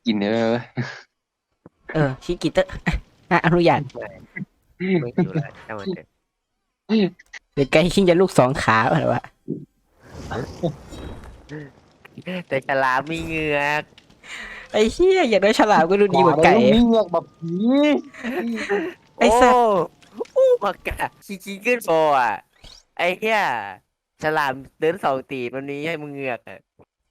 กินเออชิกิเตอร์อนุญาตไม่หิวแล้วช่างมันเถอะหรือไก่ชิงจะลูกสองขาหรือวะแต่ฉลามมีเหงือกไอ้เหี้ยอย่างน้อยฉลามก็ดูดีกว่าอะไรไก่ลูกนี้เงือกแบบผีโอ้ไอ้สัตว์อู้มากะขี้ขึ้นโฟอ่ะไอ้เหี้ยฉลามเดิน2 ตีนมันนี้ให้มึงเหงือกอ่ะ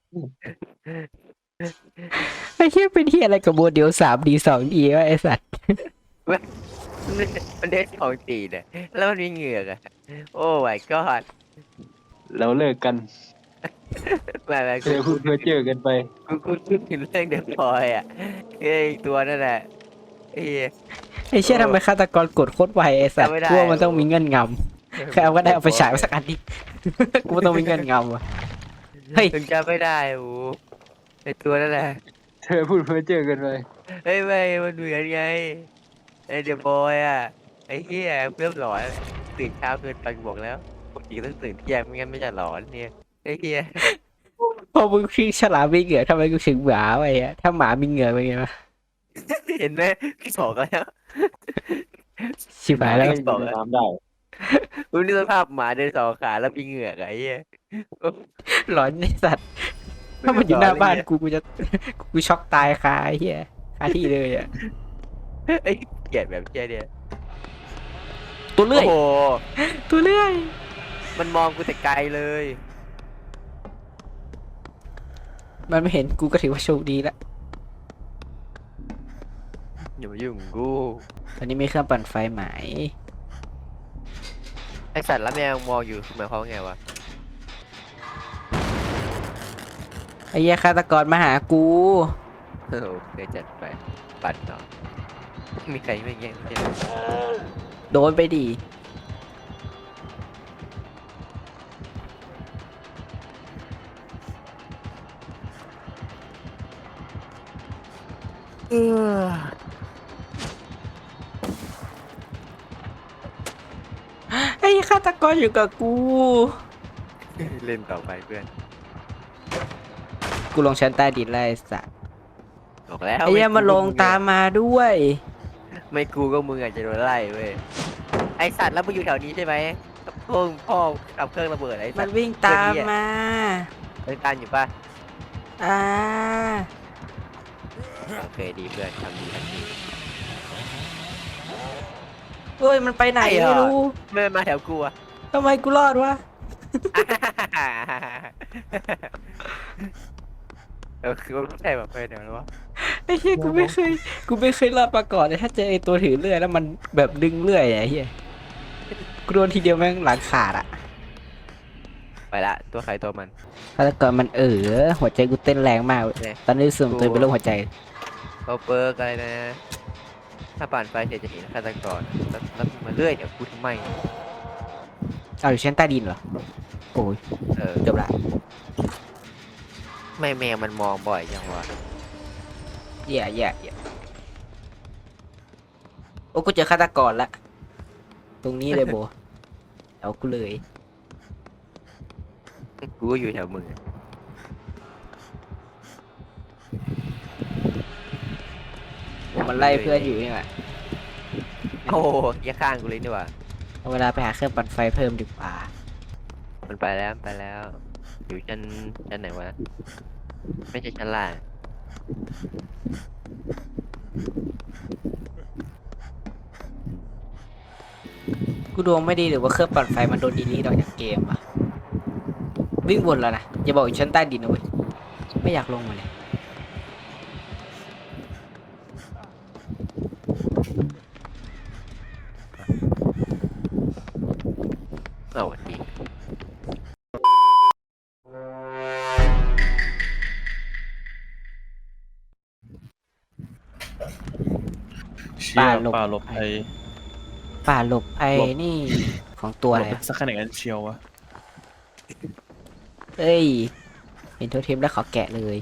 ไอ้เหี้ยเป็นที่อะไรกับโมเดล3D 2Dวะไอ้สัตว์มันมันเดิน2 ตีนอ่ะแล้วมันมีเหงือกอ่ะโอ้ my god แล้วเลิกกันแบบเธอพูดเพ้อเจ้อกันไปกูพูดถึงเรื่องเดอะพอยอ่ะไอ้ตัวนั่นแหละไอ้เหี้ยไอ้โอ้เชี่ยทำไมฆาตกรกดโคตรไวไอ้สัตจำไม่ได้ว์กูว่ามันโอ้ต้องมีเงื่อนงำใครเอาก็ได้เอาไปฉายมาสักอันดิกูว่าต้องมีเงื่อนงำว่ะเฮ้ยถึงจำไม่ได้โอ้ไอ้ตัวนั่นแหละเธอพูดเพ้อเจ้อกันไปเฮ้ยไม่มันเหมือนไงไอ้เดอะบอยอ่ะไอ้เหี้ยเริ่มหลอนตื่นเช้าเกินไปกูบอกแล้วปกติต้องตื่นเที่ยงไม่งั้นไม่จะหลอนเนี่ยไอ้เหี้ยพอมึงคิงฉลามมีเหงื่อทำไมกูถึงหมาไปอะถ้าหมามีเหงื่อเป็นไงวะเห็นไหม2แล้วชิบหมาหายแล้วก็ยังอยู่ในน้ำได้คุณนี่สภาพหมาเดิน2 ขาแล้วมีเหงือกอะไอ้เหี้ยโอ้หลอนไอ้สัตว์ไม่ถ้ามันอหลยู่หน้าบ้านอนเลยเนี่ยกูจะกูช็อกตายคาไอ้เหี้ยคาที่เลยอะไอ้เกลียดแบบเหี้ยเนี่ยตัวเลื่อยโอ้โหตัวเลื่อยมันมองกูแต่ไกลเลยมันไม่เห็นกูก็ถือว่าโชคดีละอย่ามายุ่งกับกูตอนนี้มีเครื่องปั่นไฟไหมไอสัตว์แล้วแมวมองอยู่หมายความว่าไงวะไอ้เหี้ยฆาตกรมาหากูโอเคจัดไปปัดต่อมีใครไม่แย่งใช่ไหมโดนไปดิเออไอ้ฆาตกรอยู่กับกูเล่นต่อไปเพื่อนกูลงชั้นใต้ดินไล่สัตว์บอกแล้วไอ้เหี้ยมาลงตามมาด้วยไม่กูก็มึงอาจจะโดนไล่เว้ยไอสัตว์แล้วมึงอยู่แถวนี้ใช่ไหมพ่อขับเครื่องระเบิดไอมันสัตว์วิ่งตามเพื่อนที่อ่ะมาเล่นตามอยู่ป่ะอ่าโอเคดีเพื่อนทำดีทำดีเฮ้ยมันไปไหนไอ้เหรอไม่รู้ไม่มาแถวกูอะทำไมกูรอดวะเออคือว่าไม่ใช่แบบไปแถวแล้ววะไอ้เหี้ยกูไม่เคยรอดมาก่อนเลยถ้าเจอไอ้ตัวถือเลื่อยแล้วมันแบบดึงเลื่อยอะไอ้เหี้ยกูโดนทีเดียวแม่งหลังขาดอะไปละตัวใครตัวมันฆาตกรมันหัวใจกูเต้นแรงมากเว้ยเนี่ยตอนนี้รู้สึกตัวเป็นโรคหัวใจเขาเปิร์กอะไรนะถ้าผ่านไปเสร็จจะเห็นฆาตกรแล้วมึงมาเรื่อยเดี๋ยวกูทำไมเอาอยู่ชั้นใต้ดินเหรอโอ้ยเออเกือบละไม่แมวมันมองบ่อยจังวะแย่โอ้กูเจอฆาตกรละตรงนี้เลยโบเอากูเลยกูก็อยู่แถวมึงอะมันไล่เพื่อนอยู่นี่แหละโอ้โหอย่าข้างกูเลยดีกว่าเอาเวลาไปหาเครื่องปั่นไฟเพิ่มดีกว่ามันไปแล้วมันไปแล้วอยู่ชั้นไหนวะไม่ใช่ชั้นล่างกูดวงไม่ดีหรือว่าเครื่องปั่นไฟมันโดนดีลีทออกจากเกมวะวิ่งวนแล้วนะอย่าบอกอยู่ชั้นใต้ดินนะเว้ยไม่อยากลงมาเลยเอาวันดีเชี่ป่ายหลบป่าหลบภัยป่าหลบไอ้หลบนี่ของตัวหลอะไรอะบได้สักขนาดนั้นเชียววะเอ้ยเห็นโทเทมแล้วขอแกะเลย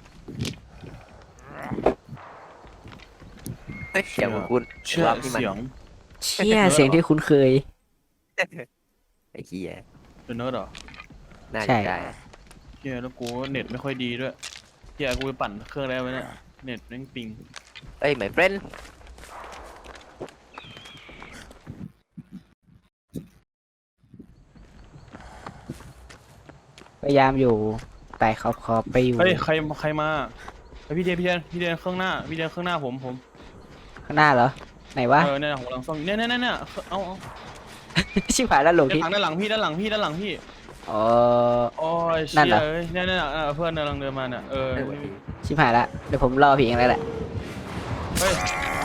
เฮ้ยเสียงของคุณเชื่อรอบที่มันเสียงเชี่ยเสียงที่คุ้นเคยไอ้เหี้ยเป็นเนิร์ดเหรอน่าใช่จะได้เชี่ยแล้วกูเน็ตไม่ค่อยดีด้วยเชี่ยกูไปปั่นเครื่องแล้วไหมเนี่ยเน็ตแม่งปิงเอ้ย my friend พยายามอยู่ไต่ขอบไปอยู่เฮ้ยใครมาเฮ้ยพี่เดนข้างหน้าพี่เดนข้างหน้าผมข้างหน้าเหรอไหนวะเนี่ยหัวหลังซ่อมเนี่ยเอาชิบหายแล้วหลงทิศด้านหลังพี่ด้านหลังพี่อ๋อโอ้ยนั่เชี่นเหรยอเอ้ยเนี่ยเพื่อนกำลังเดินมาเนี่ยชิบหายละเดี๋ยวผมรอพี่เองแล้วแหละเฮ้ย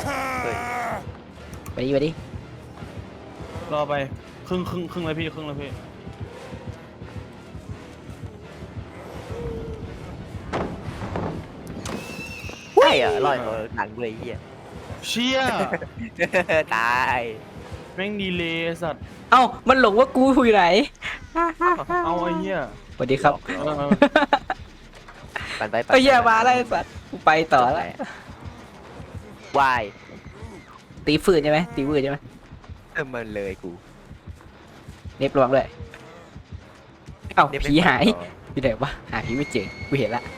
ไปดิรอไปครึ่งเลยพี่ใช่เหรอลอยตัวหนังเลยไอ้เหี้ยเชี่ยตายแม่งดีเลยสัตว์เอ้ามันหลงว่ากูอยู่ไหนเอาไอ้เหี้ยสวัสดีครับปั่นไปไอ้เหี้ยมาแล้วไอ้สัตว์กูไปต่อแล้ววายตีฝืนใช่ไหมตีฝืนใช่ไหมมันเลยกูเน็บรวมเลยเอ้าเดี๋วไปผีหายต่ออยู่ไหนวะหาผีไม่เจอกูเห็นละ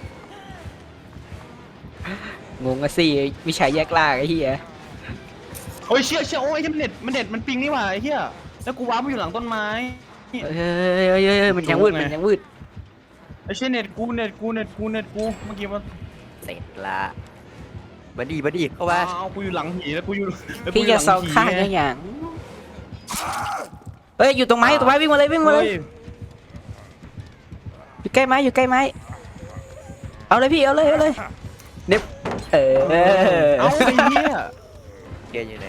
งงอะสิวิชาแยกล่างไอ้เหี้ยโอ้ยเชี่ยโอ้ยมันเน็ตมันปิงนี่หว่าไอ้เหี้ยแล้วกูว้ามาอยู่หลังต้นไม้เฮ้ยมันยังวืดมันยังวืดไอ้เชี่ยเน็ตกูเมื่อกี้มันเสร็จละมาดีเข้ามาเอากูอยู่หลังผีแล้วกูอยู่พี่จะซองข้างอย่างเฮ้ยอยู่ตรงไม้วิ่งมาเลยอยู่ใกล้ไม้เอาเลยพี่เอาเลยเน็บเอาไอ้เหี้ยเกียร์อยู่ไหน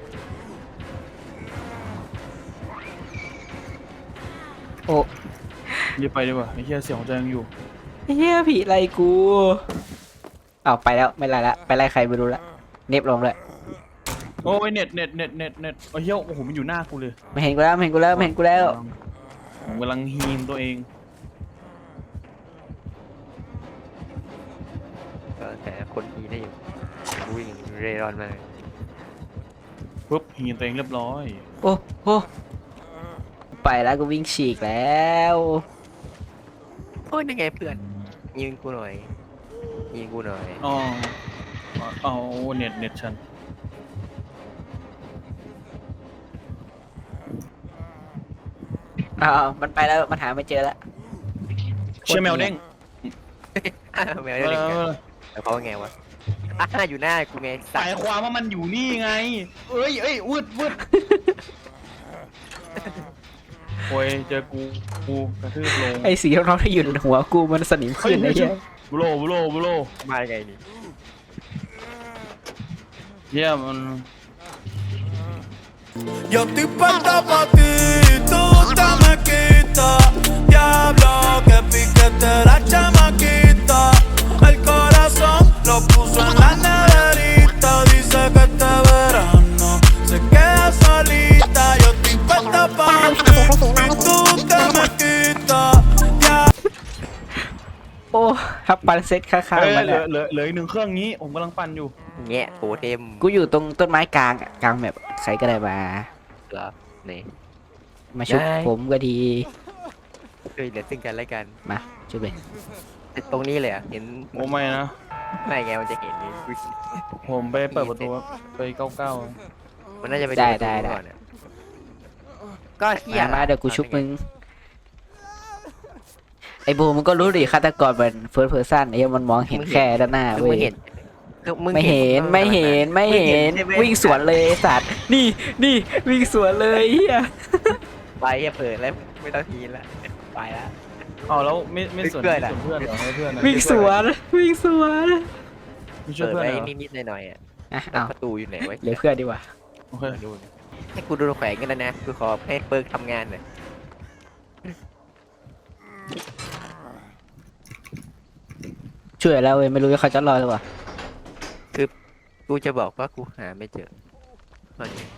โอ้รีบไปดีกว่าไอ้เหี้ยเสียงหัวใจยังอยู่เฮียผีไล่กูเอาไปแล้วไม่ไล่ละไปไล่ใครไม่รู้ละเน็บลงเลยโอ้ยเน็ตโอ้ยเหี้ยโอ้โหมันอยู่หน้ากูเลยไม่เห็นกูแล้วผมกำลังฮีมตัวเองแต่คนนี้ได้อยู่วิ่งเร่ร่อนมาปุ๊บฮีมตัวเองเรียบร้อยโอ้ไปแล้วกูวิ่งฉีกแล้วโอ้ยนั่นไงเพื่อนยิงกูหน่อยอ๋อเอาเน็ตฉันมันไปแล้วมันหาไม่เจอแล้วเชี่ยแมวเด้งแมวได้เลยแต่เขาว่าไงวะอยู่หน้ากูไงสายความว่ามันอยู่นี่ไงเอ้ยวืดโอ้ยเจอกูกระทืบลงไอ้สีน้องที่อยู่ในหัวกูมันสนิมขึ้นไอ้เหี้ยบุโรมาไงนี่เหี้ยมัน Yo estoy puesta pa' ti, tú te me quitas. Diablo, que piquete la chamaquita. El corazón lo puso en la neverita. Dice que este verano se queda solita. Yo estoy puesta pa' ti, y tú te me quitas. โอ้ครับปันเซ็ตข้างๆมันเหลืออีกหนึ่งเครื่องนี้ผมกำลังปั่นอยู่แงะโปเทมกูอยู่ตรงต้นไม้กลางแบบใครก็ได้มาเหรอนี่มาชุบได้ผมก็ดีเคยเหลือซึ่งกันและกันมาชุบเลยตรงนี้เลยอ่ะเห็นโอ้ไม่นะไม่ไงมันจะเห็นนี่ผมไปเปิดประตูไป99 มันน่าจะไปได้ก่อนอะก็เที่ยมาเดี๋ยวกูชุบมึงไอ้โบมึงก็รู้ดิฆาตกรมันเฟิร์สเพอร์ซันไอ้เหี้ยมันมองเห็นแค่ด้านหน้าคือเว้มึงยเห็นคือมึงไม่เห็นใช่ไหมวิ่งสวนเลยไอ้สัตว์นี่วิ่งสวนเลยเฮียไปอย่าเปิดแล้วไม่ต้องทีละไปแล้วอ๋อแล้วไม่สนเพื่อนอะเพื่อนเหรอให้เพื่อนอะวิ่งสวนไม่ช่วยเปิดเพื่อนไว้เหรอนิดๆหน่อยๆอ่ะอ่ะเอาประตูอยู่ไหนไว้เหลือเพื่อนดีกว่าโอเคดูให้กูดูแขวงกันแล้วนะกูขอให้เปิร์กทำงานหน่อยช่วยแล้วเว้ยไม่รู้ว่าเขาจะรอดหรือเปล่ากูจะบอกว่ากูหาไม่เจอตอนนี้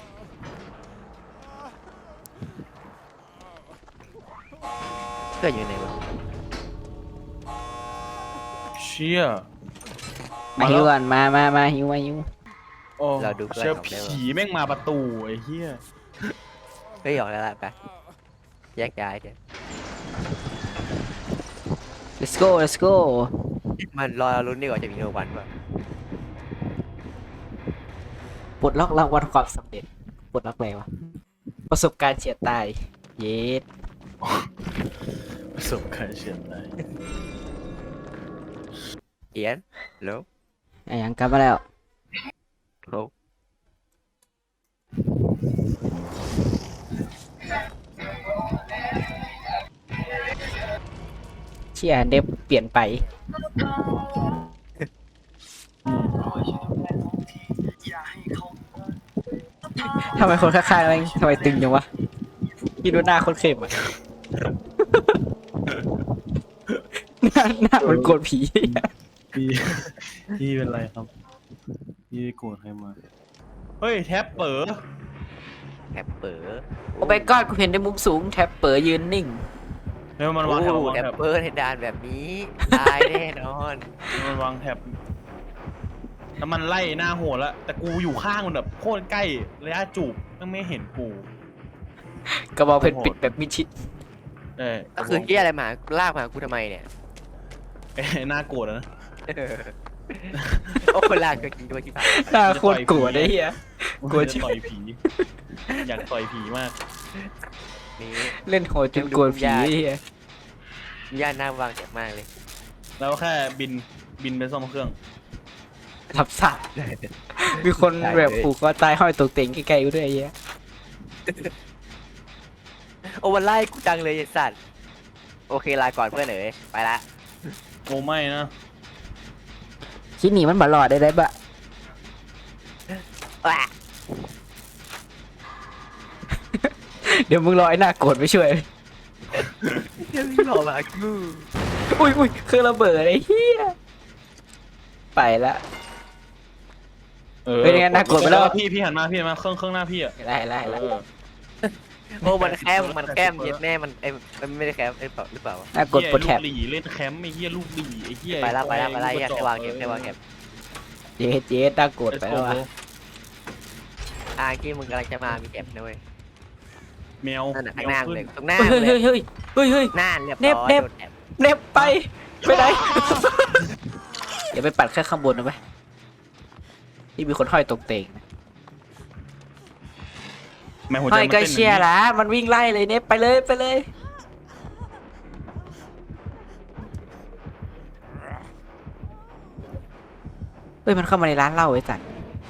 เพื่อนอยู่ไหนวะเชี่ยมาฮิวก่อนมาฮิวโอ้เชี่ยผีแม่งมาประตูไอ้เหี้ยเฮ้ยออกแล้วล่ะไปแยกย้ายกัน let's go มันรอลุ้นดีกว่าจะมีโนวันป่ะปลดล็อกรางวัลความสำเร็จปลดล็อกอะไรวะประสบการณ์เฉียดตายเย็ดประสบการณ์เฉียดตายเอียนแล้วไอ้ยังกลับมาแล้วโอ้เชี่ยเดฟเปลี่ยนไปทำไมคนข้างๆแม่งทำไมตึงจังวะพี่ดูหน้าคนเข้มอ่ะ หน้ามันโกรธผีพี่เป็นไรครับพี่โกรธใครมาเฮ้ยแท็บเป๋อแท็บเปิดโอ้ไปก้อนกูเห็นในมุมสูงแท็บเปิดยืนนิ่งแล้วมันวางแท็บวางแท็บแท็บเปิดในด่านแบบนี้ตายแน่นอนมันวางแท็บแล้วมันไล่หน้าโหดแล้วแต่กูอยู่ข้างมันแบบโคตรใกล้ระยะจูบมันไม่เห็นกูกระบอกเพชรปิดแบบมิดชิดก็คือเฮียอะไรมาลากมากูทำไมเนี่ยหน้าโกรธนะโอ้ลากก็จริงด้วยที่ผ่านหน้าโคตรกลัวได้เฮีย กลัวจะต่อยผี อยากต่อยผีมากนี้เล่นโหดจนกลัวผีเฮียย่านหน้าวางเจ็บมากเลยแล้วแค่บินไปซ่อมเครื่องทับสัตว์มีคนแบบผูกคอตายห้อยตกเต็งใกล้ๆกูด้วยไอ้เฮียโอ้มันไล่กูจังเลยไอ้สัตว์โอเคลาก่อนเพื่อนเอ๋ยไปละโอ้ไม่นะคิดหนีมันบาหลอดได้บะแหวะเดี๋ยวมึงรอไอ้หน้าโกรธไปช่วยเดี๋ยวพี่หล่อมากูอุ้ยเครื่องระเบิดไอ้เฮียไปละ เป็นไงน่ากลัวไปแล้วพี่หันมาเครื่องหน้าพี่อ่ะไล่โอ้มันแคมเย็ดแม่มันมันไม่ได้แคมหรือเปล่าวะหน้ากดกดแถบลูกหลีเล่นแคมป์ไอ้เหี้ยลูกหลีไอ้เหี้ยไปละแยกแค่วางเก็บเจ๊หน้ากดไปแล้ววะที่มึงกำลังจะมามีเก็บนะเว้ยแมวนั่นน่ะข้างหน้าขึ้เลยตรงหน้าเฮ้ยเลยเฮ้ยหน้าเรียบเน็ร้บอยเน็บโดนแอบเน็บไปไหนอย่าไปปัดแค่ข้างบนนะไหมที่มีคนห้อยตกเตงแมวหัวใจห้อยมันก็เต้นเชียร์ละมันวิ่งไล่เลยเน็บไปเลยเฮ้ยมันเข้ามาในร้านเหล้าไอ้สัตว์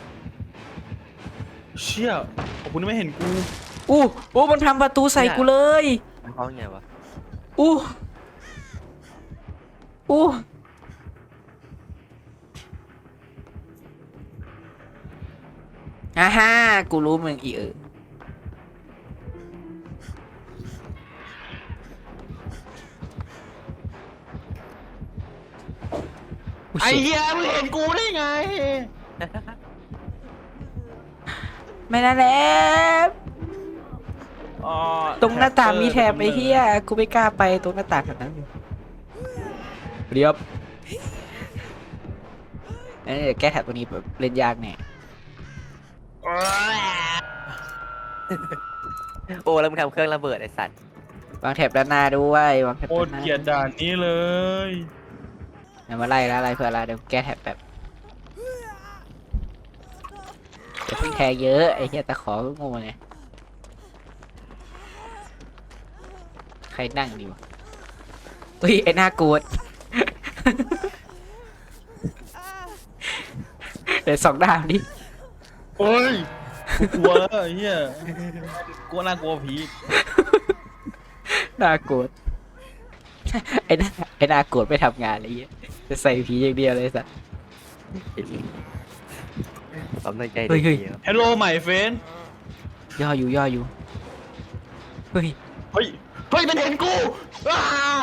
เชี่ยขอบคุณที่ไม่เห็นกูอู้มันทำประตูใส่กูเลยมันคล้องไงวะอู้ฮ่ากูรู้มึงอีไอ้เหี้ยมึงเห็นกูได้ไงไม่นะแล้อ๋อตรงหน้าต่างมีแถบไอ้เหี้ยกูไม่กล้าไปตรงหน้าต่างแบบนั้นเรียบเดี๋ยวแก้แถบตัวนี้แบบเล่นยากแน่โอ้แล้วมึงทำเครื่องระเบิดไอ้สัตว์วางแถบด้านหน้าด้วยวางแถบโคตรด้านหน้าเกลียดด่านนี้เลยเดี๋ยวมาไล่แล้วอะไรเพื่ออะไรเดี๋ยวแก้แถบแบบจะเพิ่งแทงเยอะไอ้เหี้ยตะขอก็งงไงใครนั่งดีวะอุ้ยไอ้หน้าโกรธ เดี๋ยวสองด้ามดิโอ้ยกูกลัวแล้วไอ้เหี้ยกลัวน่ากลัวผีหน้าโกรธ ไอ้หน้าโกรธไม่ทำงานอะไรเงี้ยจะใส่ผีอย่างเดียวเลยสัสผมตั้งใจเฮ้ยดีฮัลโหลใหม่เฟนย่ออยู่เฮ้ยเฮ้ยมันเห็นกูอ้า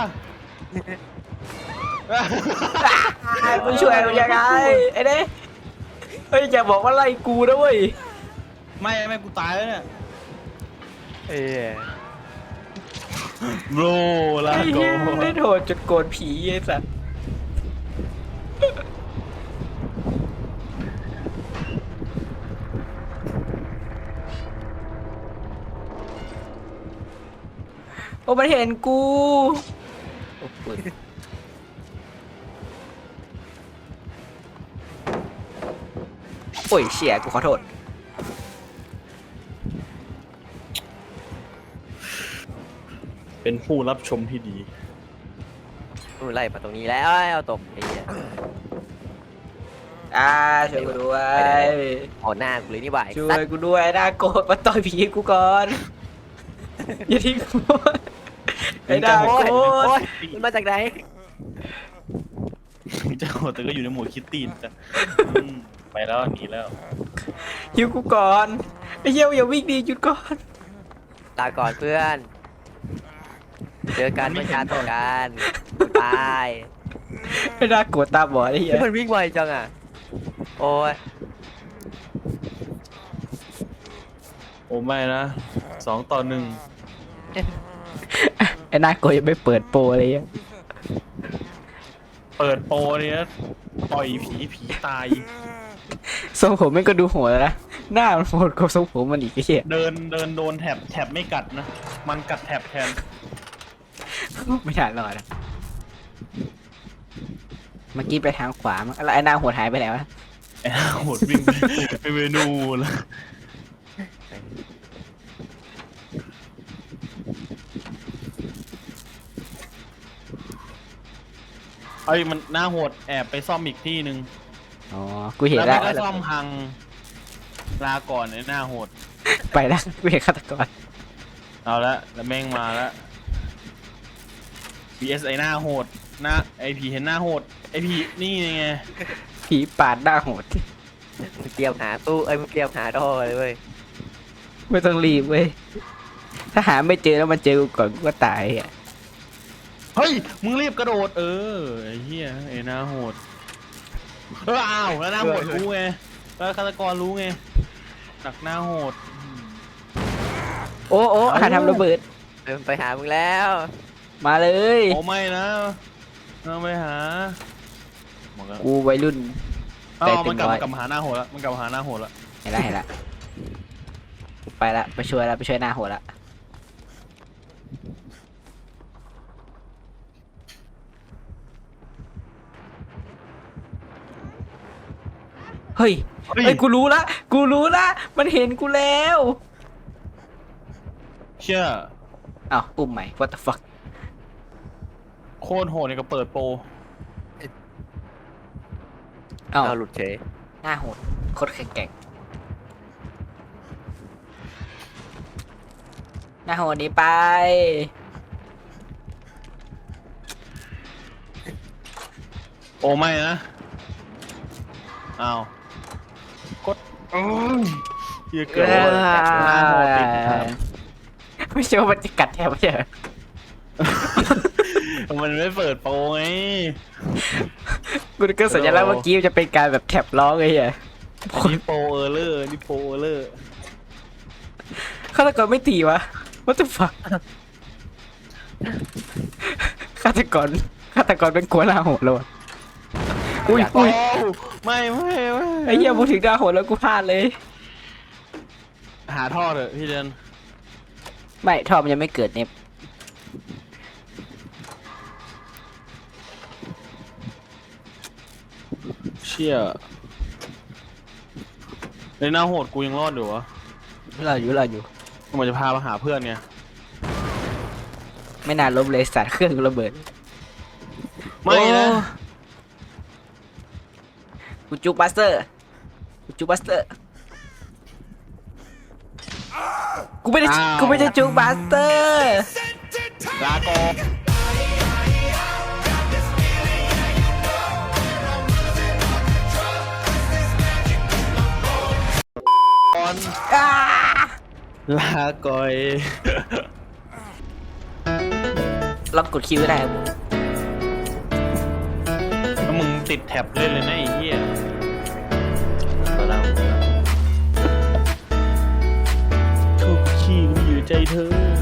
มึงช่วยมันยังไงไอ้เด้เฮ้ยอย่าบอกว่าไล่กูนะเว้ยไม่กูตายแล้วเนี่ยเอ้ยโบรลาไอ้โกเหี้ยเล่นโหดจนโกรธผีไอ้สัสโอ้มันเห็นกูโอ้ปืนโอ้ยเชี่ยกูขอโทษเป็นผู้รับชมที่ดีนู่นไล่มาตรงนี้แล้วเอาตกไอ้เหี้ยช่วยกูด้วยเอาหน้ากูเลยนี่หว่าไอ้ช่วสัตยว์กูด้วยน่าโกรธมาต่อยผีกูก่อนอย่าทิ้งกูไอ้น่าโอ้ยโกรธโอ้ยมันมาจากไหนเจ้าแต่ก็อยู่ในหมวดคิตตี้นะไปแล้วหนีแล้วหิวกูก่อนไอ้เหี้ยอย่าวิ่งดีหยุดก่อนลาก่อนเพื่อน เจอกันไม่ชาต่อกันตายไอ้น่าโกรธตาบอดไอ้เหี้ยมันวิ่งไวจังอ่ะ โอ้ยโอ้ไม่นะ2-1 ไอ้น่าโกรธยังไม่เปิดโปรอะไรเงี้ยเปิดโปรเนี่ยปล่อยผีตายทรงผมมันก็ดูโหดแล้วนะหน้ามันโหดกว่าทรงผมมันอีกไอ้เหี้ยเดินโดนแถบไม่กัดนะ มันกัดแถบแทนไม่ทันรอดนะเมื่อกี้ไปทางขวามั้งแล้วไอ้หน้าโหดหายไปไหนวะไอ้ห่าโหดวิ่งไปเมนูแล้วเอ้ยมันหน้าโหดแอบไปซ่อมอีกที่หนึ่งอ๋อกูเห็นแล้วแล้วมันก็ซ่อมพังลาก่อนไอ้หน้าโหดไปแล้วกูเห็นฆาตกรเอาละแล้วแม่งมาแล้ว PS ไอ้หน้าโหดหน้าไอผีเห็นหน้าโหดไอผีนี่ไงผีปาดหน้าโหดมึงเตรียมหาตู้มึงเตรียมหาท่อเลยเว้ยไม่ต้องรีบเว้ยถ้าหาไม่เจอแล้วมันเจอกูก่อนกูก็ตายอ่ะเฮ้ยมึงรีบกระโดดไอ้เหี้ยไอ้หน้าโหดอ้าวแล้วหน้าโหดรู้ไงแล้วฆาตกรรู้ไงหนักหน้าโหดโอ้โอ้หาทำระเบิดไปหามึงแล้วมาเลยโอ้ไม่นะต้องไปหามันก็กูวัยรุ่นอ้าวแต่มันกลับเต็มร้อยกลับมาหาหน้าโหดแล้วมันกลับมาหาหน้าโหดแล้วเห็นละเห็นละไปละไปช่วยละไปช่วยหน้าโหดละเฮ้ยเฮ้ยกูรู้ละกูรู้ละมันเห็นกูแล้วเชื่ออ้าวอุ้มใหม่ what the fuck โคตรโหดเนี่ยก็เปิดโปรอ้าวเอาหลุดเฉยหน้าโหดโคตรแข็งแกร่งหน้าโหดหนี้ไปโอ้ไม่นะอ้าวกดเหี้ยเกิดหน้าโหดติดครับไม่ใช่ว่ามันจะกัดแทบไม่ใช่เหรอมันไม่เปิดโปรไงกูนึกว่าสัญลักษณ์เมื่อกี้มันจะเป็นการแบบแท็บร้องไอ้เหี้ยอันนี้โปรเออร์เลอร์นี่โปรเออร์เลอร์ฆาตกรไม่ตีวะ what the fuck ฆาตกรเป็นกลัวหน้าโหดแล้วอะอุ้ยโอ้อุ้ยไม่ไอ้เหี้ยพูดถึงหน้าโหดแล้วกูพลาดเลยหาท่อเถอะพี่เดนไม่ทอมยังไม่เกิดเนี่ยเชี่ยในหน้าโหดกูยังรอดอยู่วะเราอยู่มันจะพามาหาเพื่อนไงไม่นานล้มเลยสัตว์เครื่องระเบิดไม่นะโอ้กูจูบัสเตอร์กูไม่ได้จูบัสเตอร์ลาก่อนลาก่อยลองกดคิวได้ครับแล้วมึงติดแท็บเล่นเลยนะไอ้เหี้ยทุกขี้ก็อยู่ใจเธอ